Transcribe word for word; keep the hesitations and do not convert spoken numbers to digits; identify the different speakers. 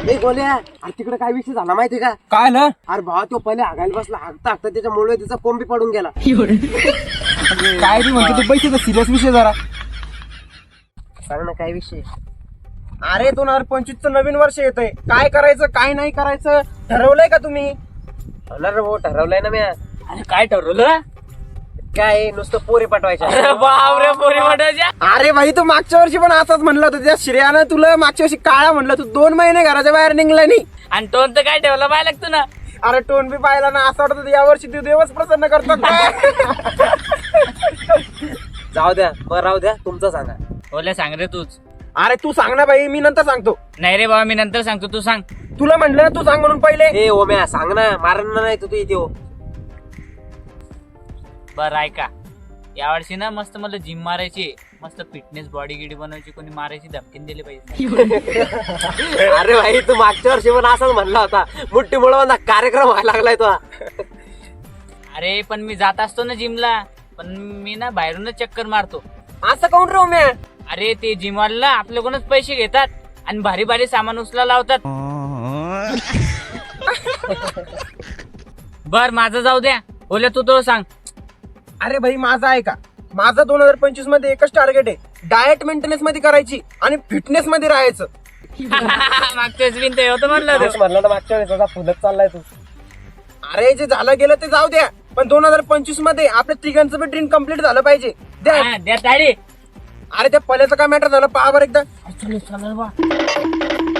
Speaker 1: ए गोल्या, अरे तिकडे काय विषय झाला माहितीये का?
Speaker 2: काय ना
Speaker 1: अरे भावा तो पहिले हागायला बसला, हागता हागता त्याच्यामुळे त्याचा कोंबी पडून गेला.
Speaker 2: काय रे म्हणतो तू पैसे सिरियस विषय जरा.
Speaker 1: सांग ना काय विषय?
Speaker 2: अरे दोन हजार पंचवीस चं नवीन वर्ष येतंय. काय करायचं काय नाही करायचं ठरवलंय का तुम्ही?
Speaker 1: होणार रे भाऊ, ठरवलंय ना मी.
Speaker 3: अरे काय ठरवलं?
Speaker 1: काय नुसतं पोरी पाठवायच्या.
Speaker 3: अरे बापरे, पोरी वाटायच्या.
Speaker 2: अरे भाई तू मागच्या वर्षी पण असंच म्हणलं होतं. त्या श्रेयानं तुला मागच्या वर्षी काळा म्हणलं, तू दोन महिने घराच्या बाहेर निघला नाही.
Speaker 3: आणि टोन तर काय ठेवला पाहिजे लागतो ना.
Speaker 2: अरे टोन बी पाहिला ना, असं वाटत या वर्षी तू देवच प्रसन्न करतो काय?
Speaker 1: जाऊ द्या, बरं राहू द्या, तुमचं सांगा.
Speaker 3: ओल्या सांग रे तूच.
Speaker 2: अरे तू सांग ना भाई, मी नंतर सांगतो.
Speaker 3: नाही रे बाबा, मी नंतर सांगतो, तू सांग.
Speaker 2: तुला म्हटलं ना तू सांग म्हणून पहिले.
Speaker 1: ए ओम्या सांग ना, मारण नाही तू इथे हो.
Speaker 3: बरं ऐका, यावर्षी ना मस्त मला जिम मारायची, मस्त फिटनेस बॉडी गिडी बनवायची, कोणी मारायची धमकीन दिली पाहिजे.
Speaker 1: अरे भाई तू मागच्या वर्षी पण असंच म्हणला होता. मुठ्ठी मुळवंदा कार्यक्रम व्हायला लागलाय तो.
Speaker 3: अरे पण मी जात असतो ना जिमला, पण मी ना बाहेरूनच चक्कर मारतो.
Speaker 2: असं काऊन रे उम्या?
Speaker 3: अरे ते जिमवाला आपल्याकडूनच पैसे घेतात आणि भारी भारी सामान उचला लावतात. बर माझं जाऊ द्या, ओल्या तू तो सांग.
Speaker 2: अरे भाई माझं आहे का, माझं दोन हजार पंचवीस मध्ये एकच टार्गेट आहे, डाएट मेंटेनन्स मध्ये करायची आणि फिटनेस मध्ये राहायचं.
Speaker 3: मागच्या वेळेस बिन ते होतं म्हणलं
Speaker 1: तेच म्हणलं ना मागच्या वेळेस, असा फुलत चाललाय तू.
Speaker 2: अरे जे झालं गेलं ते जाऊ द्या, पण दोन हजार पंचवीस मध्ये आपल्या तिघांचं बी ड्रीम कम्प्लीट झालं पाहिजे. द्या.
Speaker 3: हा, द्या ताडी.
Speaker 2: अरे त्या पल्याचं काय मॅटर झालं पहा बरं एकदा.
Speaker 3: चल चल बा.